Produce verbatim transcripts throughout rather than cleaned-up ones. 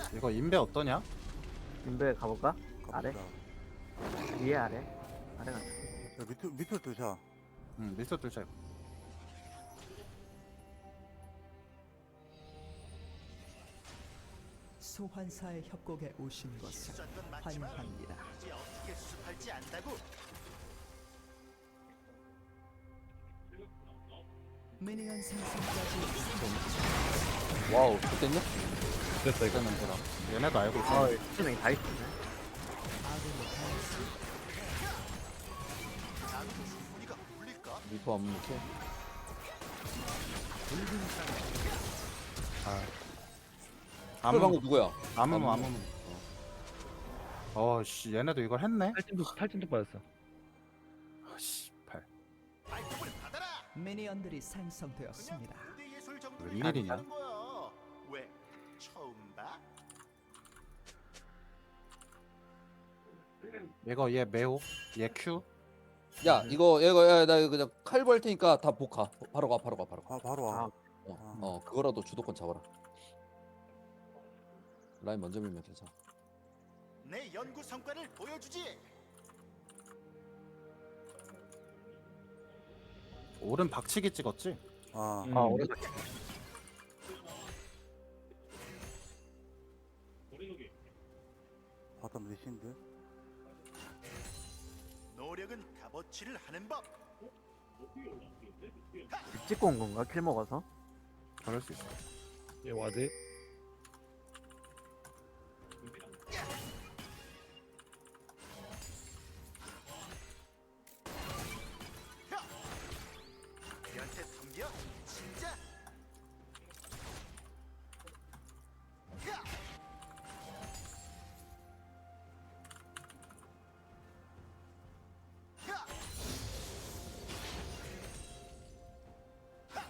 이거 인베 어떠냐? 인베 가볼까? 아래? 갑시다. 위에 아래? 아래 가자. 야, 밑으로 밑으로 뜨자. 응 미스터 뚫자 이거. 소환사의 협곡에 오신 것을 환영합니다. 이제 어떻게 수습할지 안다고? 미니언 생성까지 와우 좋겠냐? 됐어 이거 냄새라. 얘네도 알고 있어. 어, 수명이 다 있었네. 아군이 당했습니다. 나도 충분히가 울릴까? 리퍼 안 묵혀? 아. 그 방금 아무 누구야? 아무무 아무무. 어씨 얘네도 이걸 했네. 탈진도 탈진도 빠졌어. 아씨 팔. 발톱을 받아라. 미니언들이 생성되었습니다. 그냥 무대 예술 정도는 웬일이냐? 아니라는 거야. 왜? 처음 봐? 이거 얘 매호 얘 Q. 야 이거 이거 야, 나 이거 그냥 칼부 할 테니까 다 복가. 바로 가 바로 가 바로 가. 아 바로 와. 아, 어, 아. 어 그거라도 주도권 잡아라. 라인 먼저 밀면 괜찮아. 내 연구 성과를 보여주지. 오른 박치기 찍었지? 아. 음. 아, 오래 바텀 리신드. 노력은 값어치를 하는 법. 찍고 온 건가? 킬 먹어서? 그럴 수 있어. 얘 와드. 연태 덤벼. 진짜. 야! 야! 하!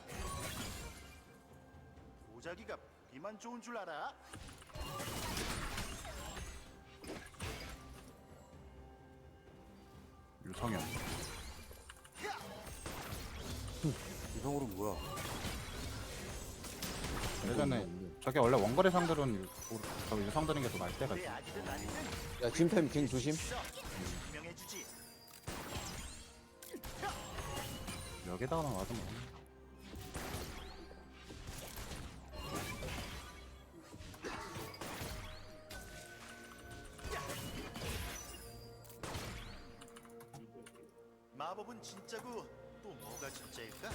보자기가 비만 좋은 줄 알아? 유성현. 이성으로 뭐야? 예전에 저게 원래 원거리 상들은 유- 저 유성 드는 게 더 나을 때가 내 있어. 아기든 아니든 야 짐템 갱 조심. 명해주지. 여기다가 와도 뭐. 마법은 진짜고 또 뭐가 진짜일까?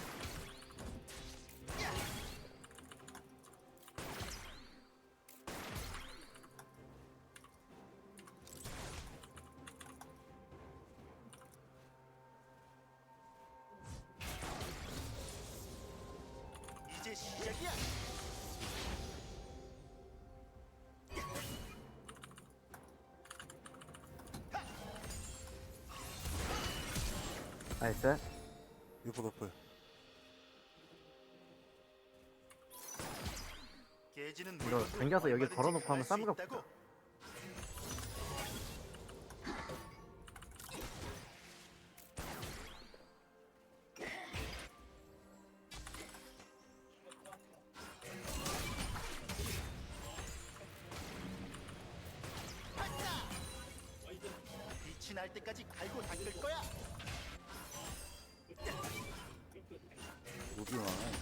이제 시작이야. 나이스. 리퍼 더플. 개지는 이거 물건도 당겨서 여기 얼마든지 걸어놓고 갈수 하면 쌈가 있다고. 빛이 날 때까지 갈고 닦을 거야. 로비 많아.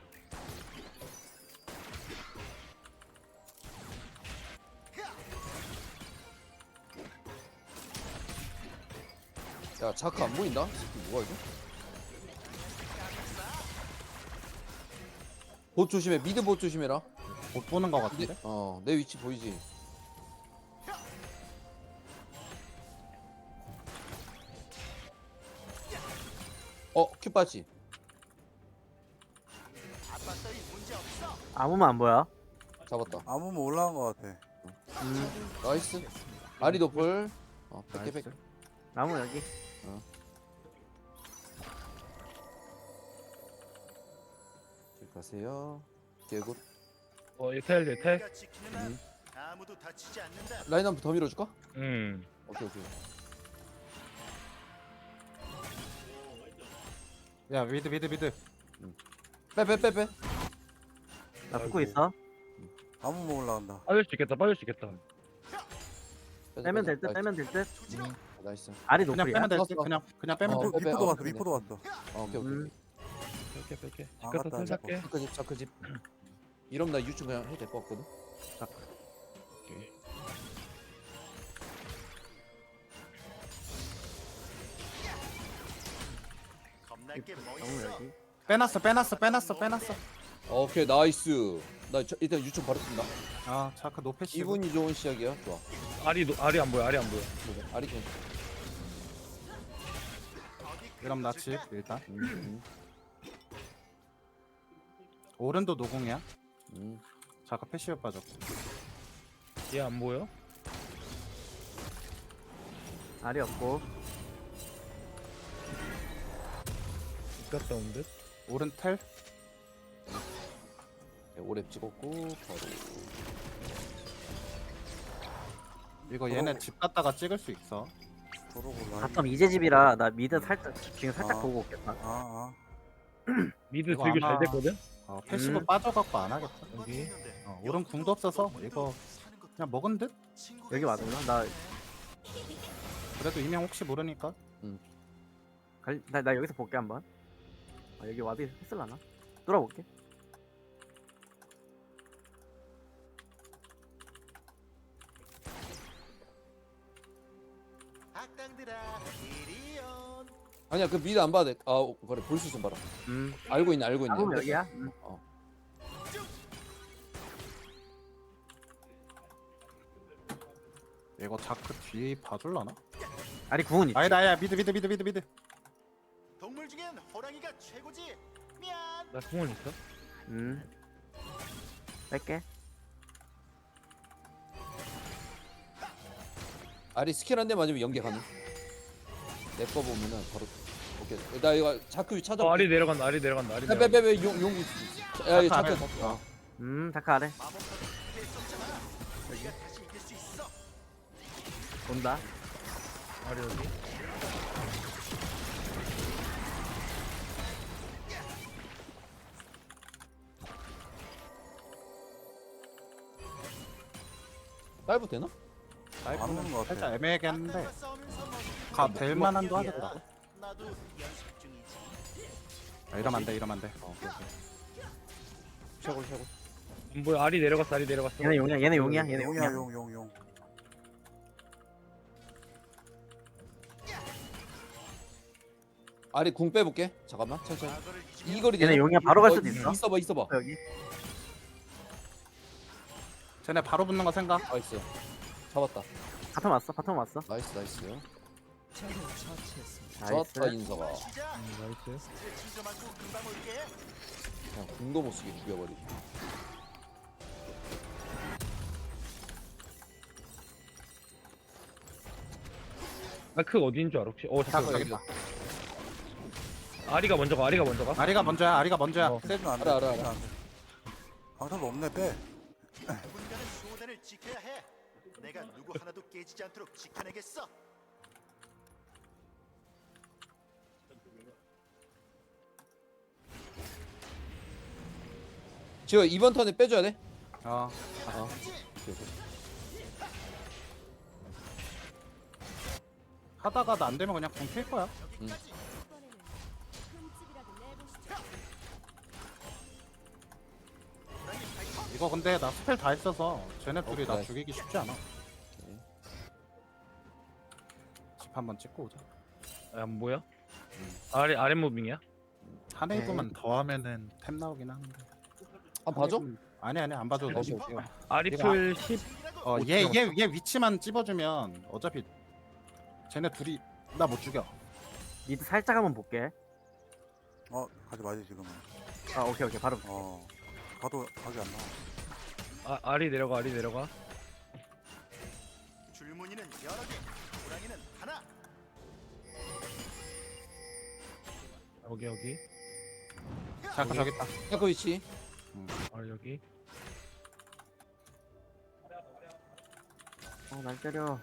야 자크 안 보인다? 이 새끼 뭐야 이거? 봇 조심해. 미드 봇 조심해라. 못 보는 거 내, 같은데? 어, 내 위치 보이지? 어, 큐 빠지. 아빠 따위 문제 없어. 아무만 안 보여. 잡았다. 아무면 올라간 거 같아. 음, 나이스. 아리 도플. 어, 백개 백. 나이스. 나무 여기. 길 가세요. 개굿. 어 예탈 예탈. 우리가 지키는 한 아무도 다치지 않는다. 라인 한번 더 밀어줄까? 음. 오케이 오케이. 야 미드 미드 미드. 빼 빼 빼 빼. 나 붙고 아이고. 있어. 나무 먹으러 간다. 빠질 수 있겠다 빠질 수 있겠다. 빼자, 빼면 빼자. 될 듯 빼면 될 듯. 음, 나이스. 알이 그냥 노플이야. 빼면 되지. 떴어. 그냥 그냥 빼면 어, 돼. 미포, 빼, 빼. 미포도 어, 왔어. 그러네. 미포도 왔어. 어, 오케이 오케이. 음. 뺄게 뺄게. 아, 집 갔다 맞다, 선 살게. 자크 집 자크 집. 이러면 나 유충 그냥 해도 될 것 같거든. 오케이. 겁날 게 뭐 나무 있어? 여기. 빼놨어 빼놨어 빼놨어 빼놨어. 오케이 나이스. 나 저, 일단 유충 바로 뜬다. 아 자크 노패시. 기분이 좋은 시작이야. 좋아. 알이 노- 알이 안 보여 알이 안 보여. 아리 괜. 그럼 나 집 일단. 음, 음, 오른도 노공이야. 음. 자크 패시브 빠졌고. 얘 안 보여? 알이 없고. 집 갔다 온 듯. 오른 텔. 네, 오랩 찍었고 바로. 이거 얘네 어. 집 갔다가 찍을 수 있어. 도로고 라인. 바텀 이제 집이라 나 미드 살짝 지금 살짝 아. 보고 오겠다. 아, 아. 미드 이거 들교 잘 아마- 됐거든. 어, 패시브 음. 빠져갖고 안 하겠다. 여기. 어, 오른 궁도 없어서 이거 그냥 먹은 듯? 여기 맞았나? 나, 그래도 이명 혹시 모르니까. 갈, 나, 나 여기서 볼게 한번. 아, 여기 와드 했을라나? 돌아볼게. 악당들아 이리 온. 아니야 그 미드 안 봐도 돼. 아 그래 볼 수 있으면 봐라. 음. 알고 있네 알고 있네. 나무 여기야. 음. 이거 자크 뒤 봐줄라나? 알이 구운 있지. 아니다 아야 미드 미드 미드 미드 미드. 동물 중엔 호랑이가 최고지. 미안. 나 궁원 있어. 음. 뺄게. 아리 스킬 한 대 맞으면 연계 가능. 내 거 보면은 바로. 오케이. 나 이거 자크 찾아. 어, 알이 내려간다 알이 내려간다 알이 내려간다. 빼빼빼 용용. 야 이거 자크 자크. 안에. 어. 음, 다크 아래. 마법사도 필수잖아. 우리가 다시 이길 수 있어. 온다. 알이 여기. 다이브 되나? 안 오는 것 같아. 살짝 애매하게 했는데 악당과 싸우면서 뭐 가 될만한도 하겠다. 나도 연습 중이지. 아, 이러면 안 돼 이러면 안 돼. 어, 오케이, 오케이. 최고 최고. 안 보여 알이 내려갔어 알이 내려갔어. 얘네 용이야, 얘네 용이야, 얘네 용이야, 용이야. 용, 용, 용. 아리 궁 빼볼게. 잠깐만 천천히. 과거를 잊으면 이 거리 얘네 되나? 용이야, 바로 갈 어, 수도 있어. 있어봐 있어봐. 여기. 쟤네 바로 붙는 거 생각. 나이스. 잡았다. 바텀 왔어, 바텀 왔어. 나이스 나이스. 적을 처치했습니다. 좋았다 나이스. 인서가. 시작. 음, 나이스. 스트레칭 좀 하고 금방 올게. 그냥 궁도 못 쓰게 죽여버리. 아크 어디인 줄 알아 혹시? 어 자크 잠깐. 여기 봐. 아리가 먼저 가 아리가 먼저 가. 아리가 먼저야 아리가 먼저야. 어. 세주면 안 돼. 알아, 알아, 세주면 안 돼. 방탄도 없네, 빼. 누군가는 수호단을 지켜야 해. 내가 누구 하나도 깨지지 않도록 지켜내겠어. 지금 이번 턴에 빼줘야 돼. 어. 어. 오케이, 오케이. 하다가 나 안 되면 그냥 궁 필 거야. 이거 근데 나 스펠 다 했어서 쟤네 둘이 나 오케이. 죽이기 쉽지 않아. 오케이. 집 한번 찍고 오자. 아, 안 보여? 아래 아래 무빙이야? 한 웨이브만 더 하면은 템 나오긴 하는데. 한 봐줘? 아니 아니 안 봐줘도 다시 돼. 볼게요. 아리풀 십. 어얘 얘 얘 위치만 찝어주면 어차피 쟤네 둘이 나 못 죽여. 미드 살짝 한번 볼게. 어, 가지 마지, 지금은. 아, 오케이, 오케이, 바로. 어. 가도 각이 안 나와. 아 알이 내려가 알이 내려가. 줄무늬는 여러 개, 호랑이는 하나. 여기 여기. 자크 저기 있다. 자크 위치. 아 여기. 어, 날 때려.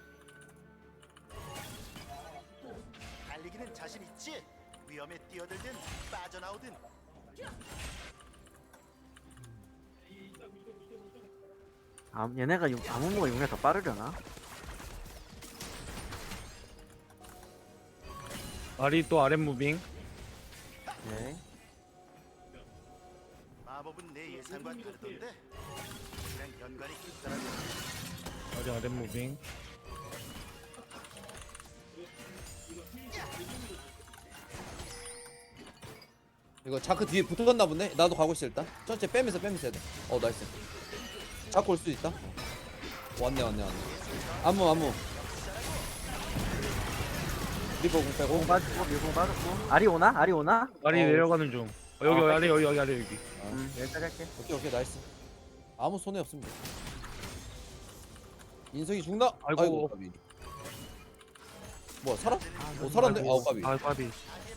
달리기는 자신 있지? 위험에 뛰어들든 빠져나오든. 아, 얘네가 용- 아무모가 용이 더 빠르려나? 아리 또 아랫 무빙. 네. 마법은 내 예상과 다르던데. 그냥 연관이 깊더라고. 아리 아랫 무빙. 이거 자크 뒤에 붙었나 보네. 나도 가고 있어 일단. 천천히 빼면서 빼면서 해야 돼. 어 나이스. 자크 올 수도 있다. 왔네 왔네 왔네. 안무 안무. 리버 공 빼고. 공 빠지고 밀공 빠졌고. 아리 오나? 아리 오나? 아리 어. 내려가는 중. 어, 여기 어, 아리 여기 여기 아리 여기. 음, 여기까지 할게. 오케이 오케이 나이스. 아무 손해 없습니다. 인석이 죽나? 아이고. 까비. 뭐야 살아? 어 살았네. 아우 까비. 아 까비.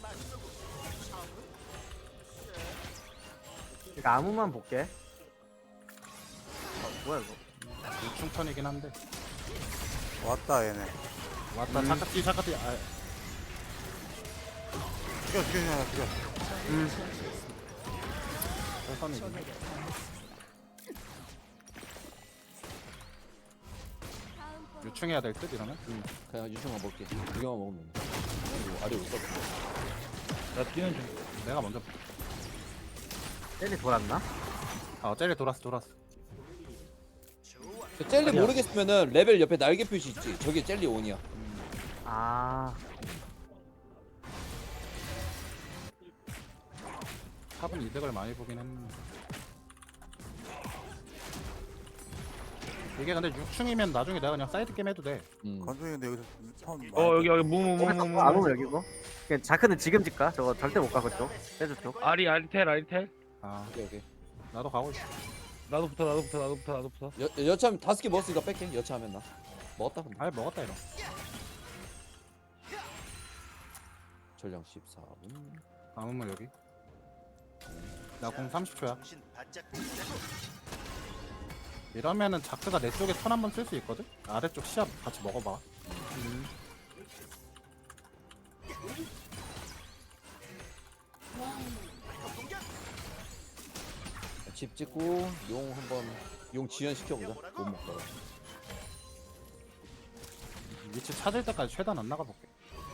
이거 아무만 볼게. 어, 뭐야 이거? 유충턴이긴 한데. 왔다 얘네. 왔다 음. 잠깐 뒤 잠깐 뒤. 아, 죽여 죽여 죽여 죽여. 음, 선이지. 유충해야 될 듯 이러면. 음, 그냥 유충만 먹게. 두 개만 먹으면 돼. 그리고 아래 올 거다. 나 뛰는 중. 내가 먼저. 젤리 돌았나? 아 젤리 돌았어 돌았어. 그 젤리 아니야. 모르겠으면은 레벨 옆에 날개 표시 있지. 저게 젤리 온이야. 아, 탑은 이득을 많이 보긴 했는데. 이게 근데 육충이면 나중에 내가 그냥 사이드 게임 해도 돼. 음. 건중이 근데 여기서 턴. 어 여기 여기 무무무무무. 아무 여기고. 그냥 자크는 지금 집가. 저거 절대 못 가 그쪽. 세주 쪽. 아리 아리텔 아리텔. 아 오케이 오케이. 나도 가고 있어. 나도 붙어 나도 붙어 나도 붙어 나도 붙어. 여 여참 다섯 개 먹었으니까 뺄게. 여차하면 나. 먹었다 근데. 아예 먹었다 이러. 전량 십사 분. 아무면 여기. 나 공 삼십 초야. 정신 바짝 차리자고. 이러면은 자크가 내 쪽에 턴 한번 쓸 수 있거든? 아래쪽 시합 같이 먹어봐. 집 찍고 용 한번 용 지연 시켜보자. 못 먹다가. 위치 찾을 때까지 최대한 안 나가볼게.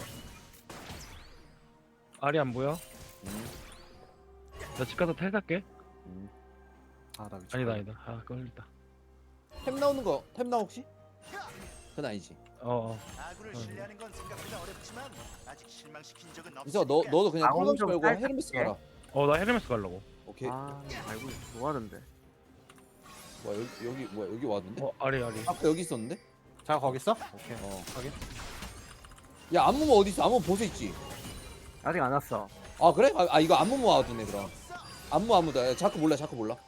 아리 안 보여? 음, 나 집 가서 텔 살게. 음. 아나 위치. 아니다 아니다. 아 걸렸다. 템 나오는 거 템 나 혹시? 그건 아니지. 어. 어. 아군을 어. 신뢰하는 건 생각보다 어렵지만 아직 실망시킨 적은 없으니까. 이서 너 너도 그냥 아, 오늘 콜 좀 말고 살짝 헤르메스 할게. 가라. 어 나 헤르메스 가려고. 오케이. 아, 알고 뭐 하던데? 뭐야 여기 여기 뭐야 여기 왔는데? 어 아리 아리. 아까 여기 있었는데? 자 거기 있어? 오케이. 어. 확인. 야 안무모 어디 있어? 안무모 보세 있지. 아직 안 왔어. 아 그래? 아, 아 이거 안무모 와두네 그럼. 안무 안무다. 야, 자크 몰라 자크 몰라.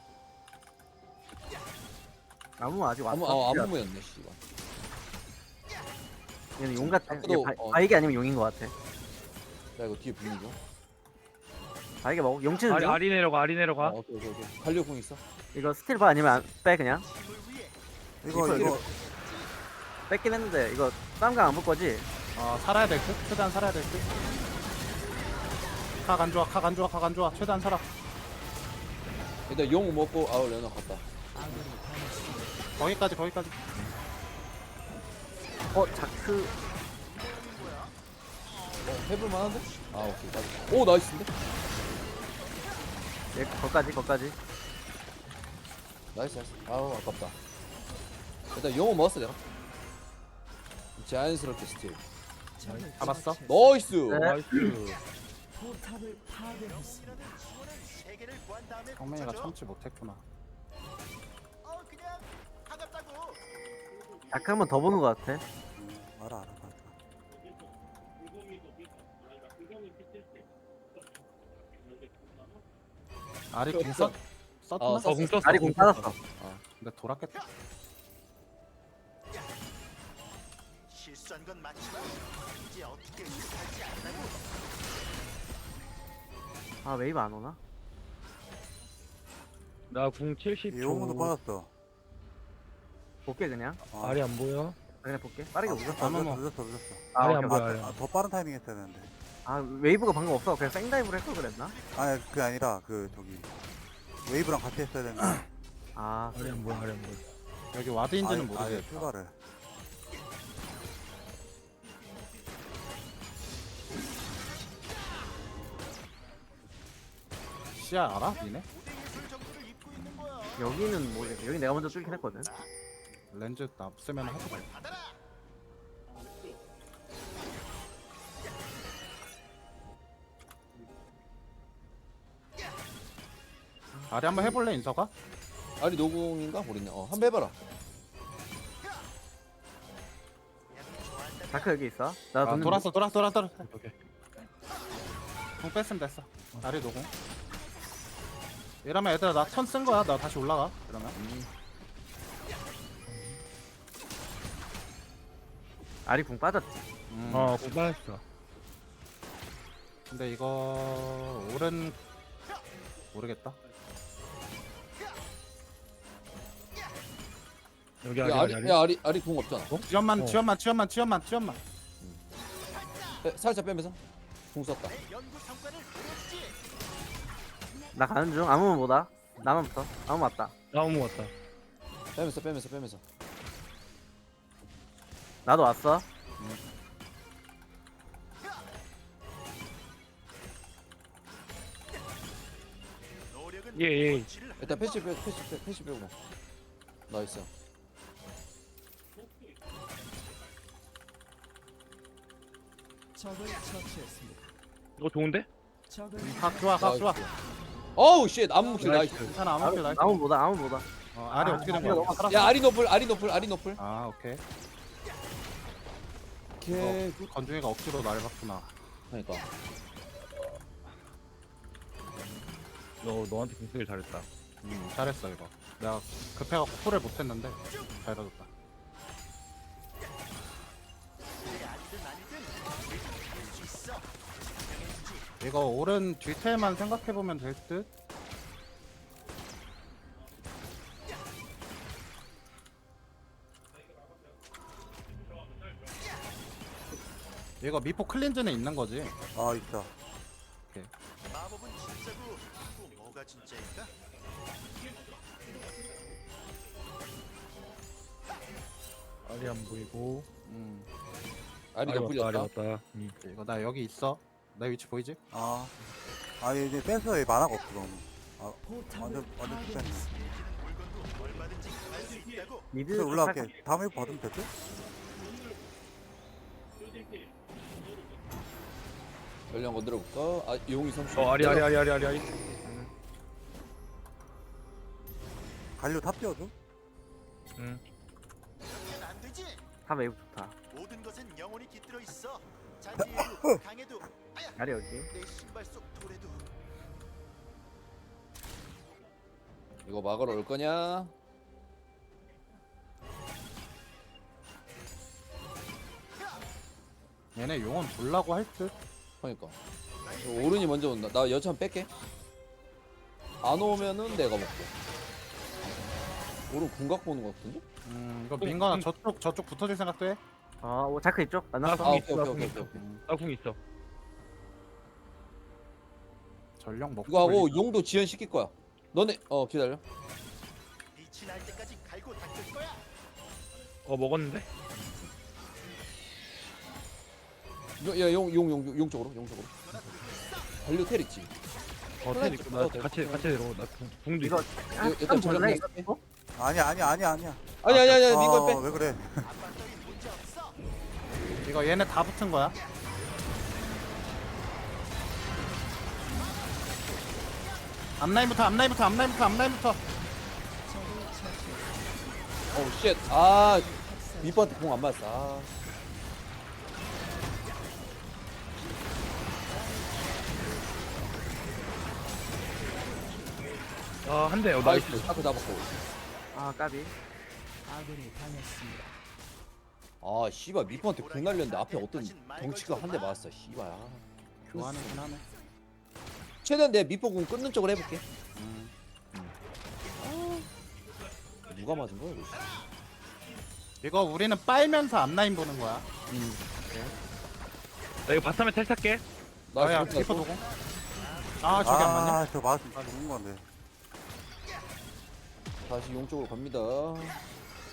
아무 아직 왔어. 안무 어 안무모였네 씨발. 얘는 용 같아. 자크도, 얘 바, 어. 바이게 아니면 용인 것 같아. 야 이거 뒤에 분위기 좀. 바이게 먹어. 용 치는 아리 중. 아리 내려가 아리 아 내려가. 오케이 오케이 오케이. 갈려공 있어? 이거 스틸 바 아니면 안, 빼 그냥. 이거 이거 뺏긴 했는데 이거 쌈강 안 볼 거지? 어 살아야 될 듯? 최대한 살아야 될 듯? 각 안 좋아 각 안 좋아 각 안 좋아 최대한 살아. 일단 용 먹고 아우 레나 갔다. 거기까지 거기까지. 어 자크. 어 해볼 만한데? 아 오케이 맞아. 오 나이스인데? 얘 거까지 거까지. 나이스 나이스. 아우 아깝다. 일단 용은 먹었어 내가. 자연스럽게 스틸. 잡았어? 나이스. 네. 나이스. 포탑을 파괴했습니다. 세 개를 구한 다음에 성민이가 붙여줘. 참지 못했구나. 어 그냥 반갑다고. 자크 한 번 더 보는 것 같아. 음, 알아 알아 알아. 아리 공 썼? 썼나? 어, 어공 썼어. 아리 공 빠졌어. 근데 돌았겠다. 실수한 건 맞지만 이제 어떻게 할지 안다고. 아 웨이브 안 오나? 나궁 칠십 이 용어도 초. 빠졌어. 볼게 그냥. 아, 아리 안 보여? 그냥 볼게. 빠르게 보자. 늦었어 아무모. 늦었어 늦었어 늦었어. 아, 아리 오케이, 안 오케이. 보여 아리. 아, 더 빠른 타이밍 했어야 되는데. 아 웨이브가 방금 없어. 그냥 생다이브를 했걸 그랬나? 아니 그게 아니라 그 저기 웨이브랑 같이 했어야 되는데. 아 아리 안 보여 아리 안 보여. 여기 와드인지는 아예- 아예 모르겠다. 출발을. 시야 알아? 니네? 예술 정도를 입고 있는 거야. 여기는 뭐 여기 내가 먼저 뚫긴 했거든. 렌즈 나 없으면 하지 말. 받아라. 아리 한번 해볼래 인서가? 아리 노공인가 모르겠네. 어 한번 해봐라. 자크 여기 있어. 나 아, 돈 돌았어 돌았어 돌았어 돌았어. 오케이. 공 뺐으면 됐어. 아리 노공. 이러면 얘들아 나 턴 쓴 거야. 나 다시 올라가. 그러면. 아리 궁 빠졌지. 음. 어, 공부했어. 근데 이거 오른 모르겠다. 여기 야, 아리, 아리 아리, 야 아리 아리 공 없잖아. 지연만 어. 지연만 지연만 지연만 지연만. 빼, 살짝 빼면서 공 썼다. 내 연구 성과를 보여주지. 나 가는 중. 아무만 보다. 나만 붙어. 아무 맞다. 나무 같다. 빼면서 빼면서 빼면서. 나도 왔어. 노력은 예, 예. 원치를 하는 일단 법. 패시 빼 패시 빼 패시 빼고. 나이스. 적을 처치했습니다. 이거 좋은데? 적을 각 좋아 각 좋아. 어우 쉣 암묵실 나이스. 괜찮아 아무 아무, 길 나이스. 아무 보다. 아무 보다. 어, 아리 아, 어떻게 된 아리가 거야? 너무 살았어? 야 아리 노플 아리 노플 아리 노플. 아 오케이. 오케이. 어, 건중이가 억지로 날 봤구나. 그러니까. 너 너한테 공격을 잘했다. 음 잘했어 이거. 내가 급해갖고 콜을 못했는데 잘 받았다. 내 아니든 아니든 할수 있어. 이거 오른 뒤태만 생각해보면 될 듯? 이거 미포 클린즈는 있는 거지? 아 있다. 마법은 진짜고 또 뭐가 진짜일까? 아리 안 보이고. 음 아리 아리 노플이 왔다, 아리 었다 왔다. 음. 이거 나 여기 있어. 내 위치 보이지? 아. 아 이제 뺏어에 만화가 없어 너무. 아 포탑을 완전 완전 뺐네. 파괴했습니다. 물건도 얼마든지 갈 수 있다고. 미드 그래서 올라갈게. 다음에 받으면 되지? 전령 건드려 볼까? 아 용이 삼십. 어, 아리, 아리, 아리, 아리, 아리, 아리. 갈려 탑 띄워줘? 응. 그렇게는 안 되지. 탑 웨이브 좋다. 모든 것은 영혼이 깃들어 있어. 잔디에도 강에도 아야 아리 여기. 내 신발 속 돌에도. 이거 막으러 올 거냐? 얘네 용은 볼라고 할 듯? 그러니까. 이거 오른이 먼저 온다. 나 여참 뺄게. 안 오면은 내가 먹고. 오른 궁각 보는 거 같은데? 음 이거 민거나 저쪽 저쪽 붙어줄 생각도 해? 어, 오, 자크 이쪽. 아 만났어. 궁 오케이 있어, 오케이 궁 오케이 있어. 오케이. 나궁 있어. 전령 먹고 이거 하고 걸리자. 용도 지연 시킬 거야. 너네 어 기다려. 빛이 날 때까지 갈고 닦을 거야. 어, 먹었는데? 야용용 용 용 쪽으로 용 쪽으로. 관료 텔 있지. 어, 텔 있고. 나 같이, 같이 내려. 나 궁, 궁도 이거 있어. 한 일단 전략 볼래? 그냥 이거? 어? 아니야 아니야 아니야 아니야. 아니 아니 아니 민건 아, 빼. 왜 그래? 앞발떡이 문제 없어. 이거 얘네 다 붙은 거야? 앞라인부터 앞라인부터 앞라인부터 앞라인부터. 어우 쉣. 아 밑바한테 공 안 맞았어. 아. 아, 한 대. 어, 나이스. 나이스. 타크 잡았고. 아, 까비. 아군이 당했습니다. 아 씨발 밑바한테 공 날렸는데 앞에 어떤 덩치가 한 대 맞았어. 씨발. 아. 좋아하는긴 하네. 최대한 내 밑보 공 끊는 쪽으로 해볼게. 음. 누가 맞은 거야 이거? 이거 우리는 빨면서 앞라인 보는 거야. 음. 나 이거 바텀에 텔 탈게. 아야 지금 리퍼 나 도공. 아 저기 안 맞냐? 아저 맞으면 죽는 건데. 다시 용 쪽으로 갑니다.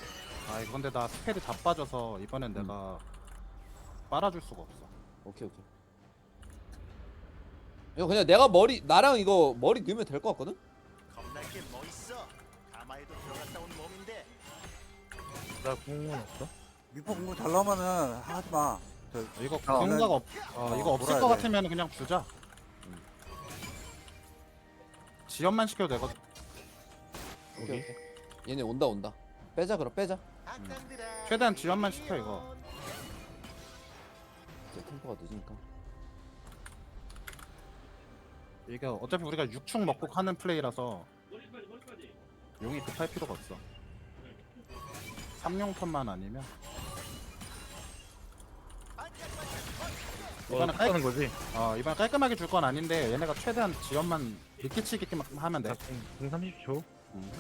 아 이거 근데 나 스펠이 다 빠져서 이번엔 음. 내가 빨아줄 수가 없어. 오케이 오케이. 이거 그냥 내가 머리 나랑 이거 머리 넣으면 될 것 같거든? 겁날 게 뭐 있어? 가마에도 들어갔다 온 몸인데. 나 궁은 없어. 미포 공부 잘 나오면은 하지 마. 저 이거 어. 생각 없. 어, 어, 이거 없을 몰아야 것 돼. 같으면 그냥 주자. 지연만 시켜도 되거든. 오케이 오케이. 얘네 온다 온다. 빼자 그럼 빼자. 악당들아. 최대한 지연만 시켜 이거. 이제 템포가 늦으니까. 이게 어차피 우리가 육축 먹고 하는 플레이라서 용이 급할 필요가 없어. 삼용 턴만 아니면 어, 이거는 깔, 하는 거지. 어, 이번 깔끔하게 줄 건 아닌데 얘네가 최대한 지연만 늦게 치게끔 하면 돼. 나궁 삼십 초. 음,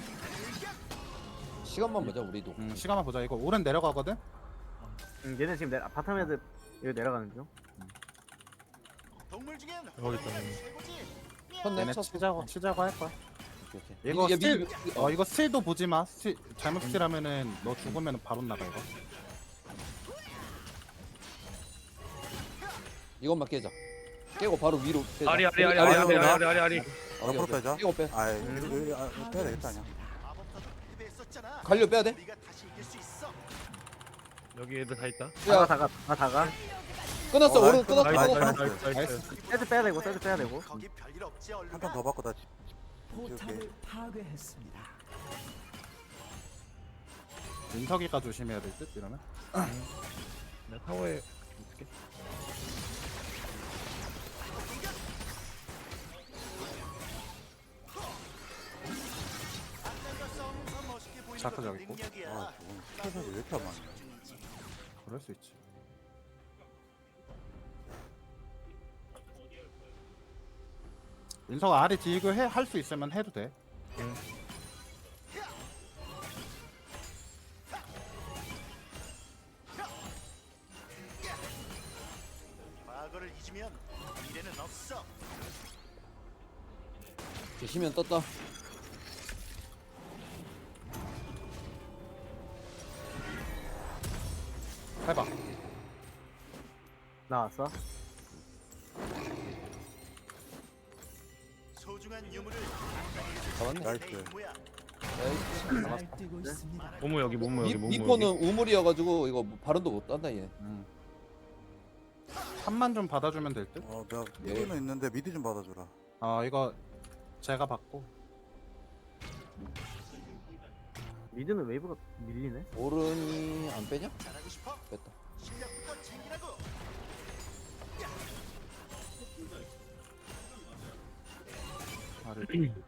시간만 보자 우리도. 음, 시간만 보자. 이거 오른 내려가거든. 음, 얘는 지금 내 바텀 애들 여기 내려가는 중. 동물 중엔 여기 있다, 호랑이가 여기. 최고지. 쳤네 얘네 쳤어. 치자고 치자고 할 거야. 오케이 오케이. 이거 얘 스틸, 미드 미드- 어 이거 스틸도 보지 마. 스틸, 잘못 스틸하면은 너 죽으면 바로 나가 이거. 이것만 깨자. 깨고 바로 위로 빼자. 아리 아리 아리 여기- 아리 아리, 아리 아리, 아리 아리 아리. 오케이, 앞으로 오케이. 빼자. 깨고 빼. 아 여기 여기 아, 이거 빼야 되겠다 아니야. 마법사도 패배했었잖아. 갈려 빼야 돼? 우리가 다시 이길 수 있어. 여기 애들 다 있다. 다가 야 다가 다 다가. 끝났어. 어, 오른 나이스, 끝났어. 나이스, 끝났어. 나이스. 나이스 나이스. 나이스. 세트 빼야 되고 세트 빼야 되고. 거기 별일 없지 얼른. 한 판 더 받고 나 집. 포탑을 파괴했습니다. 민석이가 조심해야 될 듯 이러면. 나 타워에 어떻게? 악당과 싸우면 더 멋있게 보이는 자크 것도 저기 있고. 능력이야. 아 저건 스페셜이 왜 이렇게 안 맞냐. 그럴 수 있지. 민석아 아래 디그 해 할 수 있으면 해도 돼. 과거를 잊으면 미래는 없어. 계시면 떴다. 해봐. 나왔어. 소중한 유물을 잡았네. 나이스. 내 임무야. 나이스. 날뛰고 있습니다. 모모 여기 모모 여기 미, 모모 미포는 여기. 우물이어가지고 이거 발언도 못 딴다 얘. 음. 탑만 좀 받아주면 될 듯. 어 내가 예. 미드는 있는데 미드 좀 받아주라. 어 이거 제가 받고. 미드는 웨이브가 밀리네. 오른이 안 빼냐? 잘하고 싶어? 뺐다. 실력부터 챙기라고. 아래.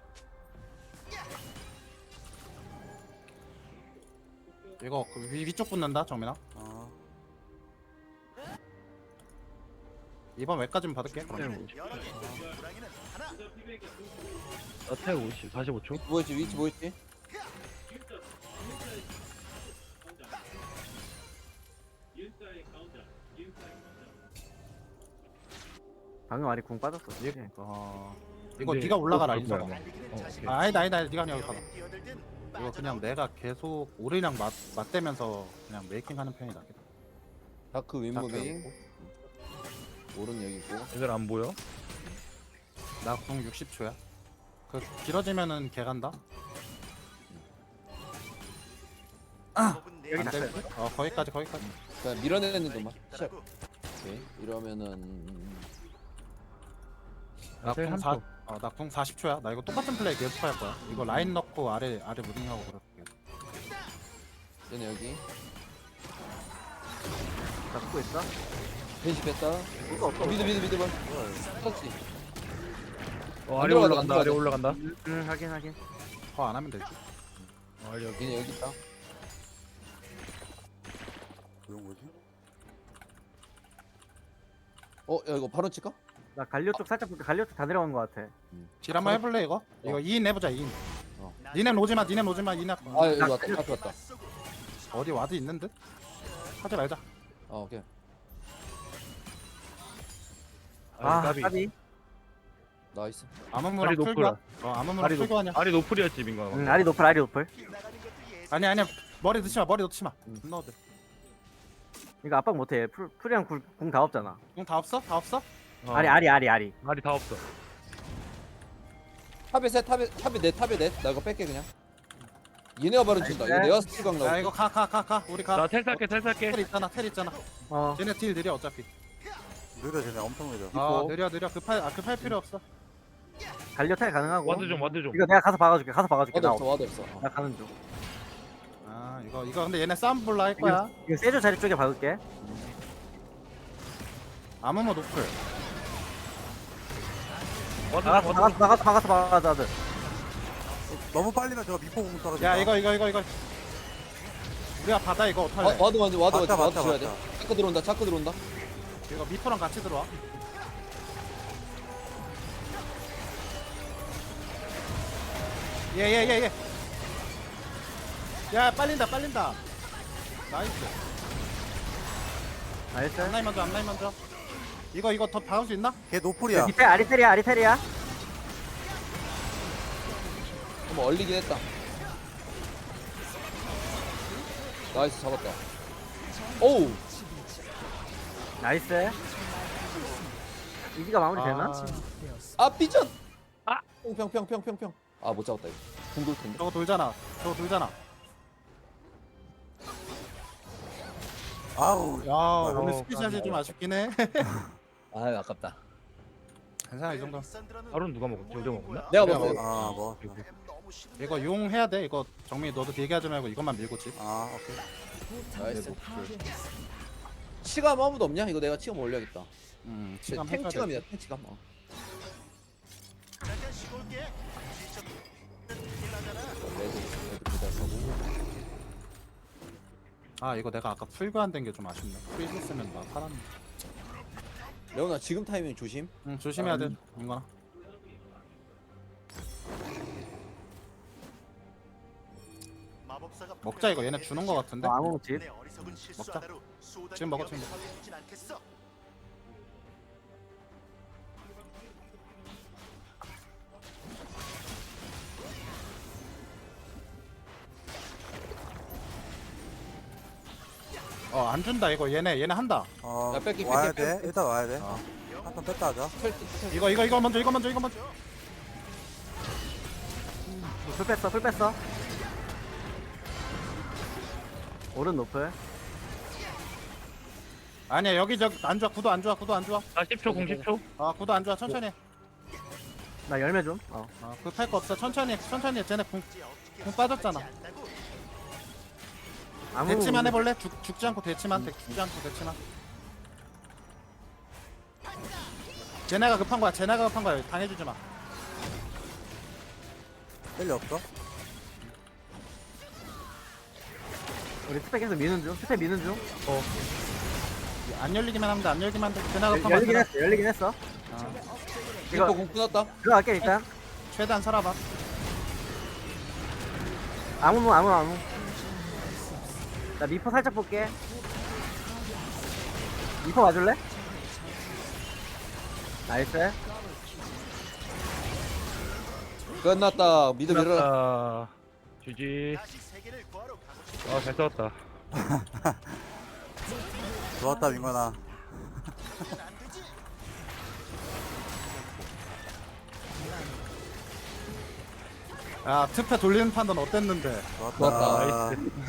이거 그 위, 위쪽 붙는다 정민아. 어. 이번 외까지는 받을게. 그럼. 주문은 여러 개. 호랑이는 하나. 나태 오십 사십오 초. 뭐였지 위치 뭐였지? 방금 아리 궁 빠졌어. 이, 어 이거 근데 네가 올라가라 또 인석아. 바꿔야 돼. 달리기는 어, 자신. 아, 아니다 아니다 네가 그냥 여기 가봐. 뛰어들든 이거 그냥 빠져나오든. 내가 계속 오리랑 맞 맞대면서 그냥 메이킹하는 편이 낫겠다. 다크 자크 윈무빙. 오른 여기 있고. 애들 안 보여? 나궁 육십 초야. 그 길어지면은 개 간다. 법은 내 여기 안 될 듯? 어 거기까지 거기까지. 그냥 밀어내는 놈만. 시작. 있다라고. 오케이. 이러면은 나태 나궁 한 사, 초. 어, 나궁 사십 초야. 나 이거 똑같은 플레이 계속 할 거야. 이거 라인 넣고 아래 아래 무빙하고 그럴게. 얘네 여기. 잡고 있어. 벤시 뺐다. 이거 없어. 미드 미드 미드 볼. 터치. 어 안 아래 들어가다, 올라간다. 안 아래 들어가다. 올라간다. 음, 음 확인 확인. 더 안 하면 되지. 어, 아래 여기. 얘네 여기 있다. 그건 뭐지? 어, 야 이거 바로 칠까? 나 갈려 쪽 살짝 볼게. 갈려 쪽 다 내려간 것 같아. 딜 한번 해볼래 이거? 이거 이 인 해보자 이 인. 어. 니넨 오지마 니넨 오지마 이인. 아 여기 왔다. 앞에 왔다. 어디 와드 있는 듯? 하지 말자. 어, 오케이. 아 아리 까비. 까비. 나이스. 아무무랑 아리 풀교환. 노플. 어 아무무랑 아리 풀교환이야. 노 아리 노플이었지 민가. 응 아리 노플 아리 노플. 아니 아니야. 머리 넣지 마 머리 넣지 마 음. 안 넣어도 돼. 이거 압박 못해. 풀 풀이랑 궁 다 없잖아. 공 다 없어? 다 없어? 어, 아리 아리 아리 아리. 말이 다 없어. 탑에 셋 탑에 탑에 넷 탑에 넷나 이거 뺄게 그냥 얘네가 바로 준다 이거 나이스. 내가 스킬 각 야 나올게 이거 가 가 가 가 우리 가. 나 텔 살게 텔 살게. 텔 있잖아 텔 있잖아. 어. 쟤네 딜 느려 어차피. 느려 쟤네 엄청 느려. 아 이거. 느려 느려 급할 아 급할 필요 없어. 갈려 탈 가능하고. 와드 좀 와드 좀. 이거 내가 가서 박아줄게. 가서 박아줄게. 와드 나, 없어 와드 없어 어. 나 가는 중. 아 이거 이거 근데 얘네 싸움 볼라 할 거야. 이거 세조 자리 쪽에 박을게. 아무모 노플. 와드 좀 박았어 와드 박았어 좀. 박았어 박았어 박았어 와드. 너무 빨리면 저거 미포 공 떨어진다. 야 이거 이거 이거 이거. 우리가 받아 이거 와, 어떡할래? 와드 먼저 와드 먼저 맞다, 와드 맞다, 줘야 돼 맞다. 자크 들어온다 자크 들어온다 이거 미포랑 같이 들어와. 예예예 예, 예, 예. 야 빨린다 빨린다. 나이스. 나이스. 앞라인 먼저 앞라인 먼저. 이거 이거 더 박을 수 있나? 걔 노플이야. 밑에 아리테리아 아리테리아. 한번 얼리긴 했다 나이스 잡았다 오우 나이스. 이기가 마무리 되나? 아, 아 삐전 아! 평평평평평평 아 못 잡았다 이거 궁돌 텐데 저거 돌잖아. 저거 돌잖아. 아우. 야 오늘 어, 스피샷이 좀 아쉽긴 해. 아 아깝다 괜찮아 이 정도. 바로는 누가 먹었지? 우리가 먹었나? 내가 내가 먹었어 아 뭐. 이거 용 해야 돼. 이거 정민이 너도 대기하지 말고 이것만 밀고 집. 아 오케이. 나이스 네, 치감 아무도 없냐? 이거 내가 치감 올려야겠다 음, 탱 시간 해줘야 돼. 치감이야 탱 치감 어. 잠깐 쉬고 올게. 지쳐. 일하잖아. 레드 레드 부자사고 아 이거 내가 아까 풀교 안 된 게 좀 아쉽네. 풀 있었으면 나 팔았네. 레오나 지금 타이밍 조심 응 조심해야 돼. 이거나. 마법사가 먹자 이거 얘네 주는 거 같은데. 어, 아무 집. 내 어리석은 실수 먹자. 하나로 수호단이 지금 먹어, 위험에 지금 먹어. 처해지진 않겠어. 어 안 준다 이거 얘네 얘네 한다. 어 야, 뺄게, 와야 뺄게, 돼. 뺄게. 일단 와야 돼. 어. 한턴 뺐다 하자. 털, 털. 이거 이거 이거 먼저 이거 먼저 이거 먼저. 풀 뺐어 풀 뺐어. 오른 노플. 아니야 여기 저안 좋아 구도 안 좋아 구도 안 좋아. 나 십 초 공 십 초. 아 구도 안 좋아 천천히. 해. 나 열매 좀. 어. 아 급할 거 없어 천천히 해, 천천히. 해. 쟤네 궁 이제 어떻게 공 빠졌잖아. 하지 않다고? 아무. 대치만 해볼래? 죽 죽지 않고 대치만 대- 죽지 않고 대치만. 쟤네가 급한 거야. 쟤네가 급한 거야. 당해주지 마. 뺄리 없어? 우리 스펙 계속 미는 중. 스펙 미는 중. 안 열리기만 하면 돼. 안 열리기만 돼. 쟤네가 급한 열리긴 거야. 했어. 열리긴 했어. 이거 이거 공 끊었다 들어갈게 일단. 최대한 살아봐. 아무 아무 아무. 나 미포 살짝 볼게. 미포 와줄래? 나이스. 끝났다 미드 밀어라 아, 지지. 다시 세계를 구하러 가고 싶어. 아, 잘 싸웠다. 좋았다 민건아. 안 되지. 야 특패 돌리는 판단 어땠는데? 좋았다.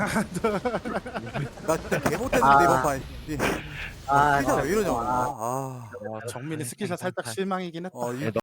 나 진짜 개 못했는데 아. 이번 판. 아, 피자 왜 이러냐. 아. 아. 와 정민이 스키샷 살짝 실망이긴 했다. 어, 이